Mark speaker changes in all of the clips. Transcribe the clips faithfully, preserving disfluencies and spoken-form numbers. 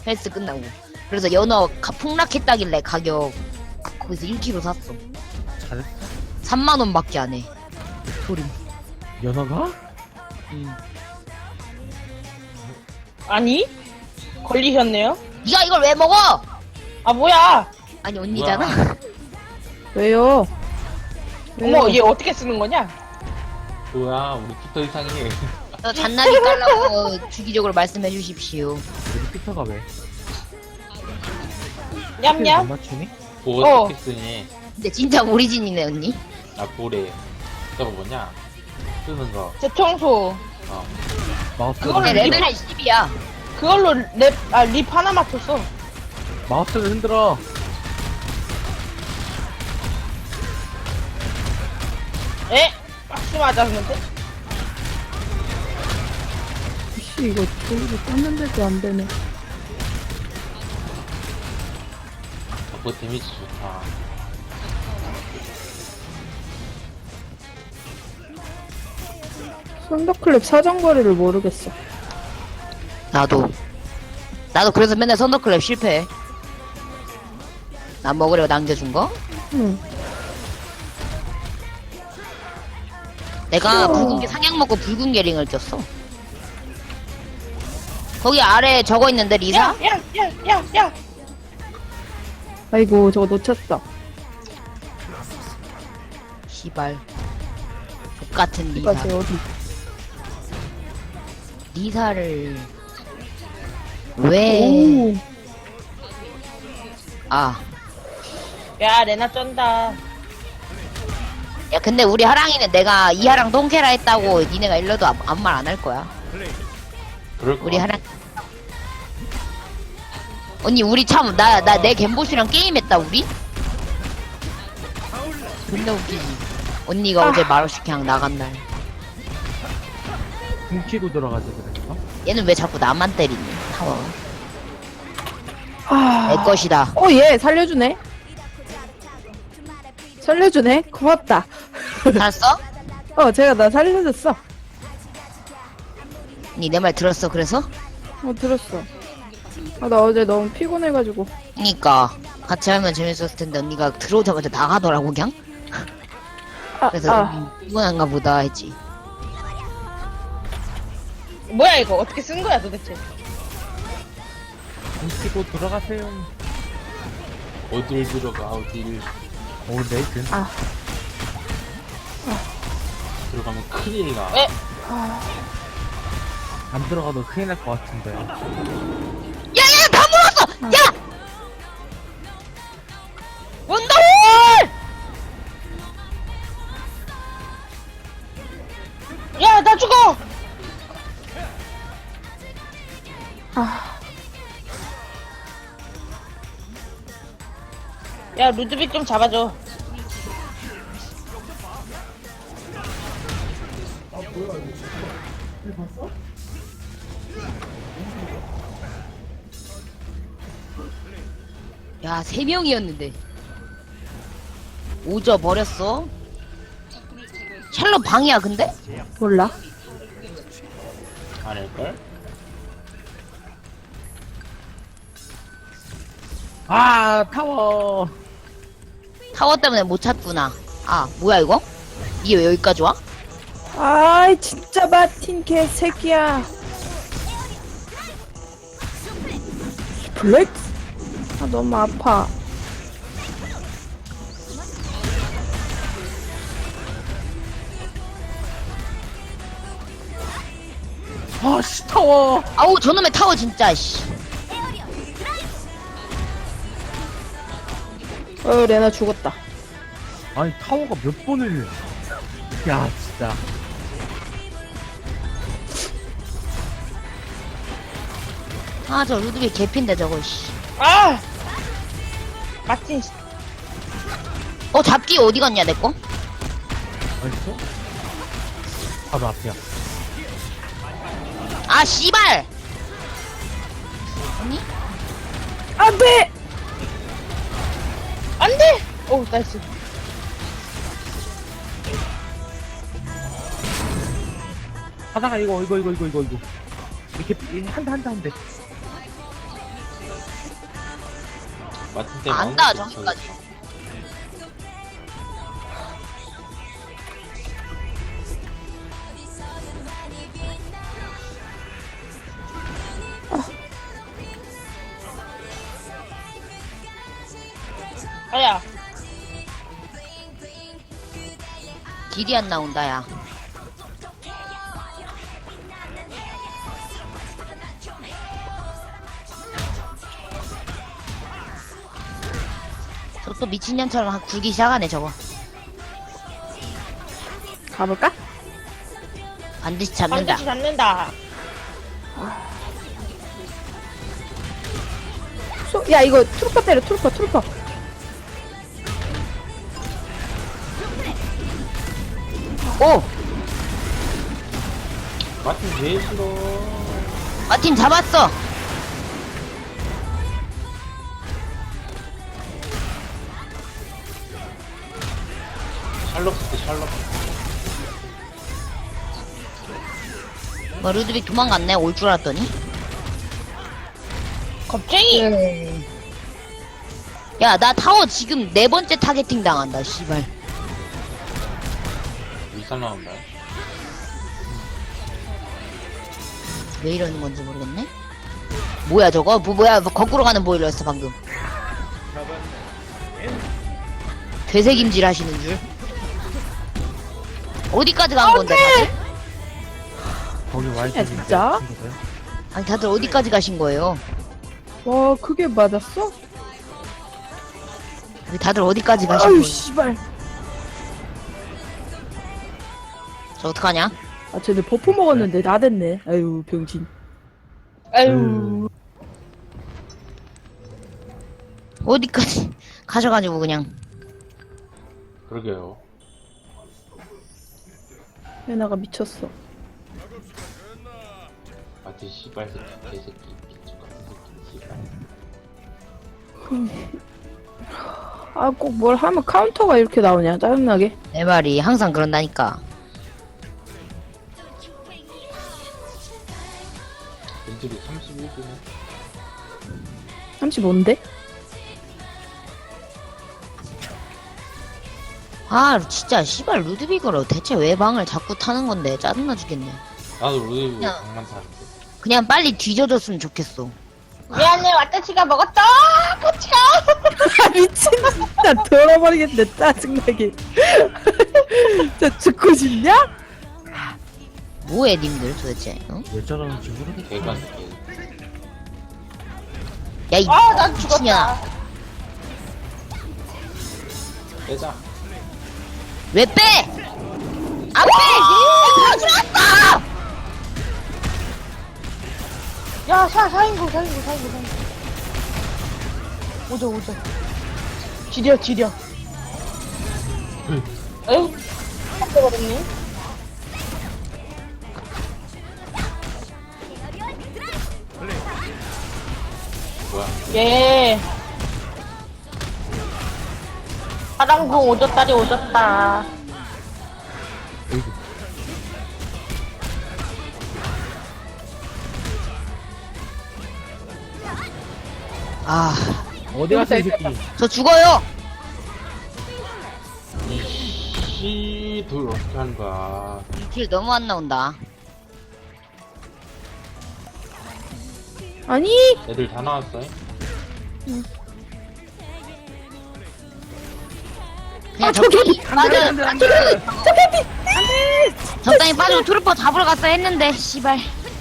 Speaker 1: 헬스 끝나고. 그래서 연어 가, 폭락했다길래 가격 거기서 일 킬로그램 샀어.
Speaker 2: 잘했어.
Speaker 1: 삼만 원밖에 안 해. 소림.
Speaker 2: 연어가?
Speaker 1: 응.
Speaker 3: 아니? 걸리셨네요?
Speaker 1: 네가 이걸 왜 먹어?
Speaker 3: 아 뭐야?
Speaker 1: 아니 언니잖아.
Speaker 4: 왜요?
Speaker 3: 어머 얘 어떻게 쓰는 거냐?
Speaker 5: 뭐야, 우리 피터 이상해.
Speaker 1: 저 잔나비 깔라고 주기적으로 말씀해 주십시오.
Speaker 2: 우리 피터가 왜? 못
Speaker 3: 냠냠?
Speaker 2: 맞추니?
Speaker 5: 뭐
Speaker 3: 어.
Speaker 5: 어떻게 쓰니?
Speaker 1: 근데 진짜 오리진이네 언니.
Speaker 5: 아, 뭐래. 저거 뭐냐? 쓰는 거.
Speaker 3: 대청소.
Speaker 5: 어.
Speaker 2: 마우스.
Speaker 3: 그거를
Speaker 1: 근데
Speaker 3: 립-
Speaker 1: 레벨이 십이야.
Speaker 3: 그걸로 랩, 아, 립 하나 맞췄어.
Speaker 2: 마우스를 흔들어.
Speaker 3: 에? 박수 맞았는데?
Speaker 4: 씨, 이거 저기서 떴는데도 안 되네.
Speaker 5: 그거 데미지 좋다.
Speaker 4: 썬더클랩 사정거리를 모르겠어.
Speaker 1: 나도. 나도 그래서 맨날 선더클랩 실패해. 나 먹으려고 남겨준 거?
Speaker 4: 응.
Speaker 1: 내가 붉은 게 상향 먹고 붉은 게링을 꼈어. 거기 아래 적어 있는데 리사?
Speaker 3: 야, 야, 야, 야, 야!
Speaker 4: 아이고, 저거 놓쳤다.
Speaker 1: 시발. 족같은 리사.
Speaker 4: 이까지 어디?
Speaker 1: 리사를 왜?
Speaker 4: 오.
Speaker 1: 아,
Speaker 3: 야, 레나 쩐다.
Speaker 1: 야 근데 우리 하랑이는 내가 이하랑 똥캐라 했다고 니네가 일러도 아무 말 안 할 거야.
Speaker 5: 그럴 거.
Speaker 1: 우리 하랑. 언니 우리 참 나 나 내 갬보시랑 게임했다 우리. 존나 웃기지. 언니가 어제 말없이 그냥 나간 날.
Speaker 2: 훔치고 들어가지 그랬어?
Speaker 1: 얘는 왜 자꾸 나만 때리니? 타워.
Speaker 4: 아.
Speaker 1: 내 것이다.
Speaker 4: 어, 얘 살려주네. 살려주네. 고맙다.
Speaker 1: 알았어?
Speaker 4: 어, 제가 나 살려줬어.
Speaker 1: 니 내 말 들었어 그래서?
Speaker 4: 어, 들었어. 아, 나 어제 너무 피곤해가지고.
Speaker 1: 그니까 같이 하면 재밌었을 텐데 언니가 들어오자마자 나가더라고 그냥.
Speaker 4: 아,
Speaker 1: 그래서
Speaker 4: 아.
Speaker 1: 음, 피곤한가 보다 했지.
Speaker 3: 뭐야, 이거? 어떻게 쓴 거야, 도대체?
Speaker 2: 훔치고 들어가세요.
Speaker 5: 어딜 들어가, 어딜.
Speaker 2: 오, 레이튼.
Speaker 4: 아.
Speaker 5: 들어가면 큰일 나.
Speaker 3: 에?
Speaker 2: 안 들어가도 큰일 날 것 같은데.
Speaker 1: 야야 다 물었어. 야. 원더홀.
Speaker 3: 야, 나 죽어!
Speaker 4: 아.
Speaker 3: 야, 루드빅 좀 잡아줘.
Speaker 1: 야, 세 명이었는데. 오져 버렸어. 샬롯 방이야, 근데?
Speaker 4: 몰라.
Speaker 5: 아닐걸?
Speaker 2: 아, 타워.
Speaker 1: 타워 때문에 못 찾구나. 아, 뭐야, 이거? 이게 왜 여기까지 와?
Speaker 4: 아이, 진짜 마틴 개새끼야. 블랙? 아, 너무 아파.
Speaker 2: 아, 씨, 타워.
Speaker 1: 아우, 저놈의 타워 진짜, 씨.
Speaker 4: 어, 레나 죽었다.
Speaker 2: 아니, 타워가 몇 번을. 야, 진짜.
Speaker 1: 아, 저 루드빅 개핀데, 저거, 씨.
Speaker 3: 아! 마틴, 씨.
Speaker 1: 어, 잡기 어디 갔냐, 내 거?
Speaker 2: 어딨어? 바로 앞이야.
Speaker 1: 아, 씨발! 아니?
Speaker 4: 안 돼!
Speaker 3: 안 돼! 오, 나이스.
Speaker 2: 하다가 이거, 이거, 이거, 이거, 이거, 이거. 이렇게, 한대, 한대, 한대.
Speaker 5: 마틴 때문에
Speaker 1: 안 닿아,
Speaker 5: 아무것도
Speaker 1: 저기까지.
Speaker 5: 못하겠어.
Speaker 3: 아야.
Speaker 1: 길이 안 나온다, 야. 저 또 미친년처럼 굴기 시작하네, 저거.
Speaker 4: 가볼까?
Speaker 1: 반드시 잡는다.
Speaker 3: 반드시 잡는다.
Speaker 4: 소, 야, 이거 트루퍼 때려, 트루퍼, 트루퍼.
Speaker 1: 오!
Speaker 5: 마틴 제일 싫어.
Speaker 1: 마틴 잡았어!
Speaker 5: 샬럿 쓸때 샬럿.
Speaker 1: 뭐, 루드빅 도망갔네, 올 줄 알았더니.
Speaker 3: 겁쟁이.
Speaker 4: 네.
Speaker 1: 야, 나 타워 지금 네 번째 타겟팅 당한다, 씨발.
Speaker 5: 위산 나온다.
Speaker 1: 왜 이러는 건지 모르겠네? 뭐야, 저거? 뭐, 뭐야, 뭐 거꾸로 가는 보일러였어, 방금. 되새김질 하시는 줄. 어디까지 간 건데, 다들?
Speaker 2: 거기
Speaker 4: 야,
Speaker 2: 와이프
Speaker 4: 진짜?
Speaker 1: 아니, 다들 어디까지 가신 거예요?
Speaker 4: 와, 그게 맞았어?
Speaker 1: 다들 어디까지 가신
Speaker 4: 아유,
Speaker 1: 거예요?
Speaker 4: 씨발.
Speaker 1: 저 어떡하냐?
Speaker 4: 아, 쟤네 버프 먹었는데 나댔네. 아유, 병신.
Speaker 3: 아유.
Speaker 1: 어디까지 가셔가지고 그냥.
Speaker 5: 그러게요.
Speaker 4: 얘나가 미쳤어.
Speaker 5: 마틴 씨발 새끼, 개새끼, 미친 같은 새끼, 씨발.
Speaker 4: 아, 꼭 뭘 하면 카운터가 이렇게 나오냐, 짜증나게.
Speaker 1: 내 말이 항상 그런다니까.
Speaker 5: 벤질이 삼십일 분에
Speaker 4: 삼십오인데?
Speaker 1: 아, 진짜 씨발 루드빅으로 대체 왜 방을 자꾸 타는 건데 짜증나 죽겠네.
Speaker 5: 나도 로데이브
Speaker 1: 야.
Speaker 5: 방만 타는데.
Speaker 1: 그냥 빨리 뒤져줬으면 좋겠어.
Speaker 3: 미안해, 왓다치가 먹었다. 꼬치가.
Speaker 4: 아, 미친, 진짜 돌아버리겠네, 짜증나게. 진짜 죽고 싶냐?
Speaker 1: 뭐해 님들 도대체? 응?
Speaker 2: 왜 저러는지 모르겠어.
Speaker 5: 개가 새끼.
Speaker 1: 야, 이
Speaker 3: 아, 난
Speaker 1: 미친년아.
Speaker 3: 죽었다.
Speaker 5: 빼자.
Speaker 1: 왜 빼? 안 빼! 아, 들어왔어!
Speaker 3: 야, 사, 사인구, 사인구, 사인구, 사인구. 오자, 오자. 지려, 지려. 에휴, 깜짝거렸니?
Speaker 5: 뭐야?
Speaker 3: 예. 파랑궁 오졌다리 오졌다.
Speaker 1: 아,
Speaker 2: 어디 갔어, 이 새끼.
Speaker 1: 저 죽어요!
Speaker 5: 이씨, 둘 어떻게 하는 거야?
Speaker 1: 길 너무 안 나온다.
Speaker 4: 아니,
Speaker 5: 애들 다 나왔어.
Speaker 1: 그냥
Speaker 4: 아,
Speaker 1: 적당히
Speaker 4: 저기!
Speaker 1: 빠져.
Speaker 2: 안 돼, 안 돼, 안 돼.
Speaker 1: 적당히 빠지고 트루퍼 잡으러 갔어 했는데, 씨발.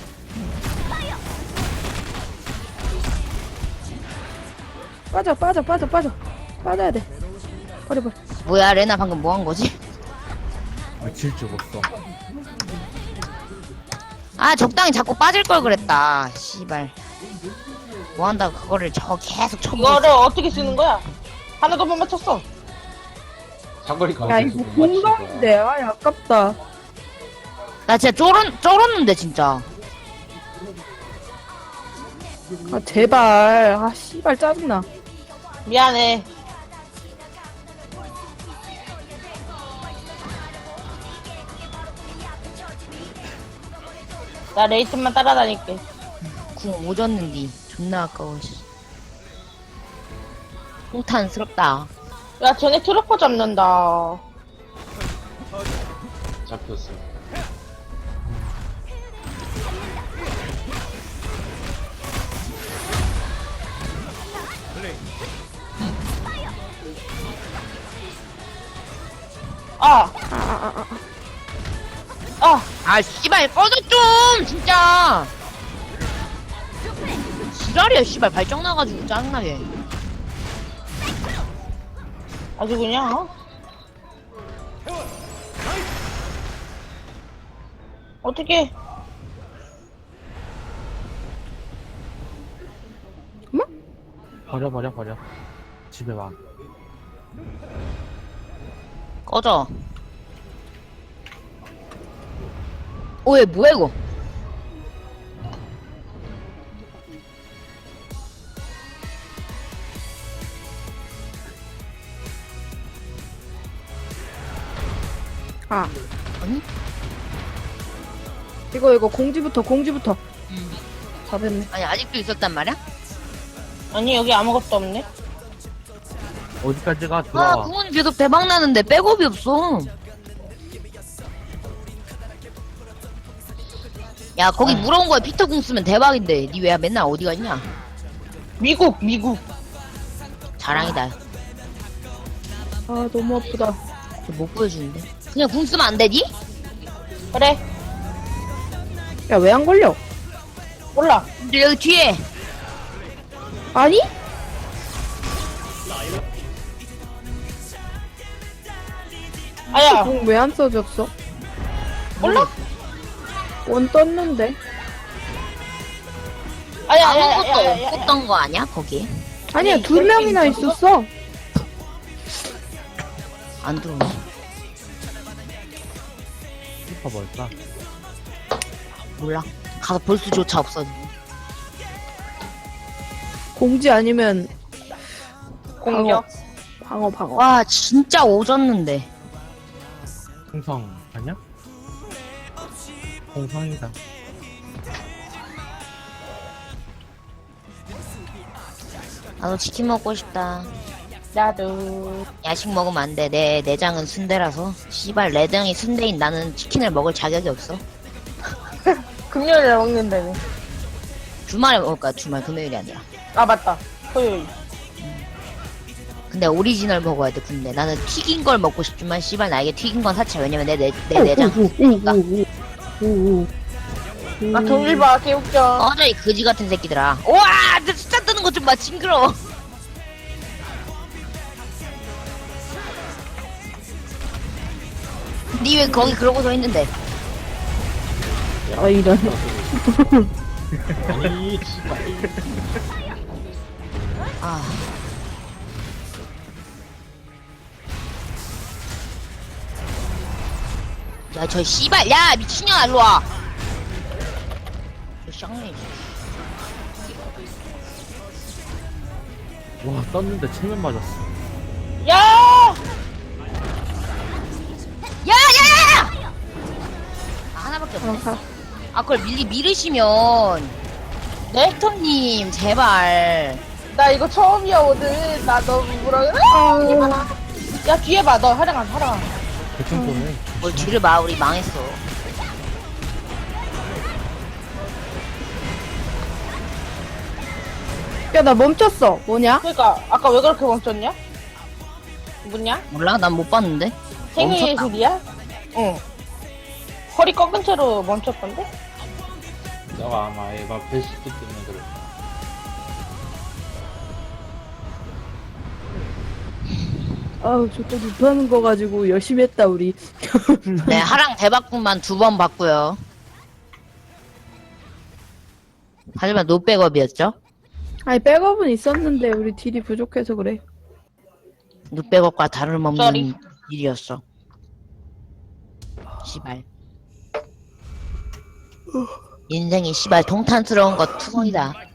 Speaker 4: 빠져, 빠져, 빠져, 빠져. 빠져야 돼. 버려, 버려.
Speaker 1: 뭐야, 레나 방금 뭐 한 거지?
Speaker 2: 미칠 줄 없어.
Speaker 1: 아, 적당히 자꾸 빠질 걸 그랬다. 씨발. 뭐 한다고 그거를 저 계속 쳐보고
Speaker 3: 이거를
Speaker 1: 있어.
Speaker 3: 어떻게 쓰는 거야? 하나도 못 맞췄어.
Speaker 5: 사거리가
Speaker 4: 야,
Speaker 5: 안
Speaker 4: 이거
Speaker 5: 돼서 못 맞추는 거야.
Speaker 4: 공감인데, 아, 아깝다.
Speaker 1: 나 진짜 쫄은, 쫄았는데, 진짜.
Speaker 4: 아, 제발. 아, 씨발, 짜증나.
Speaker 3: 미안해. 나 레이튼만 따라다닐게.
Speaker 1: 궁 오졌는디. 존나 아까워, 씨. 통탄스럽다.
Speaker 3: 야, 쟤네 트로퍼 잡는다.
Speaker 5: 잡혔어.
Speaker 3: 아,
Speaker 4: 아, 아, 아, 아.
Speaker 3: 아,
Speaker 1: 아, 씨발, 꺼져 좀! 진짜! 지랄이야, 씨발. 발정 나가지고 짜증나게.
Speaker 3: 아주 그냥, 어? 어떻게?
Speaker 2: 버려 버려 버려. 집에 와.
Speaker 1: 꺼져. 오, 얘 뭐야, 이거?
Speaker 4: 아.
Speaker 1: 아니?
Speaker 4: 이거, 이거, 공지부터, 공지부터. 다 됐네.
Speaker 1: 아니, 아직도 있었단 말이야?
Speaker 3: 아니, 여기 아무것도 없네.
Speaker 2: 어디까지가
Speaker 1: 아,
Speaker 2: 들어와.
Speaker 1: 구원이 계속 대박 나는데 백업이 없어. 야, 거기 물어온 거에 피터 궁 쓰면 대박인데. 니 왜 맨날 어디 갔냐?
Speaker 3: 미국, 미국.
Speaker 1: 자랑이다.
Speaker 4: 아, 너무 아프다.
Speaker 1: 쟤못 보여주는데. 그냥 궁 쓰면 안 되니?
Speaker 3: 그래,
Speaker 4: 야, 왜 안 걸려?
Speaker 3: 몰라.
Speaker 1: 근데 여기 뒤에.
Speaker 4: 아니?
Speaker 3: 아야,
Speaker 4: 공 왜 안 써졌어?
Speaker 3: 몰라?
Speaker 4: 원 떴는데.
Speaker 3: 아야, 아야, 아야,
Speaker 1: 아무것도
Speaker 3: 아야, 아야.
Speaker 1: 없었던 거 아니야? 거기?
Speaker 4: 아니야,
Speaker 3: 아니,
Speaker 4: 두
Speaker 3: 저기
Speaker 4: 명이나
Speaker 3: 있었어?
Speaker 4: 있었어.
Speaker 1: 안 들어오네.
Speaker 2: 슈퍼 뭘까?
Speaker 1: 몰라. 가서 볼 수조차 없어.
Speaker 4: 공지 아니면
Speaker 3: 공격.
Speaker 4: 방어, 방어.
Speaker 1: 와, 진짜 오졌는데.
Speaker 2: 홍성 아니야? 홍성이다.
Speaker 1: 나도 치킨 먹고 싶다.
Speaker 3: 나도.
Speaker 1: 야식 먹으면 안 돼. 내 내장은 순대라서. 씨발, 내장이 순대인 나는 치킨을 먹을 자격이 없어.
Speaker 3: 금요일에 먹는다네.
Speaker 1: 주말에 먹을 거야, 주말, 금요일이 아니라.
Speaker 3: 아, 맞다. 토요일.
Speaker 1: 근데 오리지널 먹어야 돼, 근데. 나는 튀긴 걸 먹고 싶지만, 씨발, 나에게 튀긴 건 사치. 왜냐면 내, 내, 내 내장. 그러니까.
Speaker 3: 나 동일 봐, 개웃겨.
Speaker 1: 꺼져, 이 거지 같은 새끼들아. 우와! 내 숫자 뜨는 거 좀 봐, 징그러워. 니 왜 거기 그러고 서 있는데?
Speaker 4: 아, 이런.
Speaker 5: 아니, 씨발.
Speaker 1: 아. 야, 저 씨발, 야, 미친년아, 일로 와. 저 쌍년이.
Speaker 2: 와 떴는데 체면 맞았어.
Speaker 3: 야!
Speaker 1: 야, 야, 야, 야! 아, 하나밖에 없네.
Speaker 4: 어, 가.
Speaker 1: 아, 그걸 미리 미르시면.
Speaker 3: 네?
Speaker 1: 렉터님, 제발.
Speaker 3: 나 이거 처음이야, 오늘. 나 너무 뭐라 그래?
Speaker 4: 아,
Speaker 3: 야, 뒤에 봐. 너 하랑아, 하랑아.
Speaker 2: 대충 쏘네.
Speaker 1: 뭘 뒤를 봐, 우리 망했어.
Speaker 4: 야, 나 멈췄어. 뭐냐?
Speaker 3: 그러니까 아까 왜 그렇게 멈췄냐? 뭐냐?
Speaker 1: 몰라? 난 못 봤는데.
Speaker 3: 생리
Speaker 1: 멈췄다.
Speaker 3: 예술이야? 응. 허리 꺾은 채로 멈췄던데?
Speaker 5: 너가 아마 에바 배시기 때문에 그래.
Speaker 4: 아우, 저또 못하는 거 가지고 열심히 했다, 우리.
Speaker 1: 네, 하랑 대박분만 두 번 봤고요. 하지만 노백업이었죠?
Speaker 4: 아니, 백업은 있었는데, 우리 딜이 부족해서 그래.
Speaker 1: 노백업과 다름없는
Speaker 3: 쏘리.
Speaker 1: 일이었어. 씨발. 인생이 씨발 동탄스러운 것 투성이다.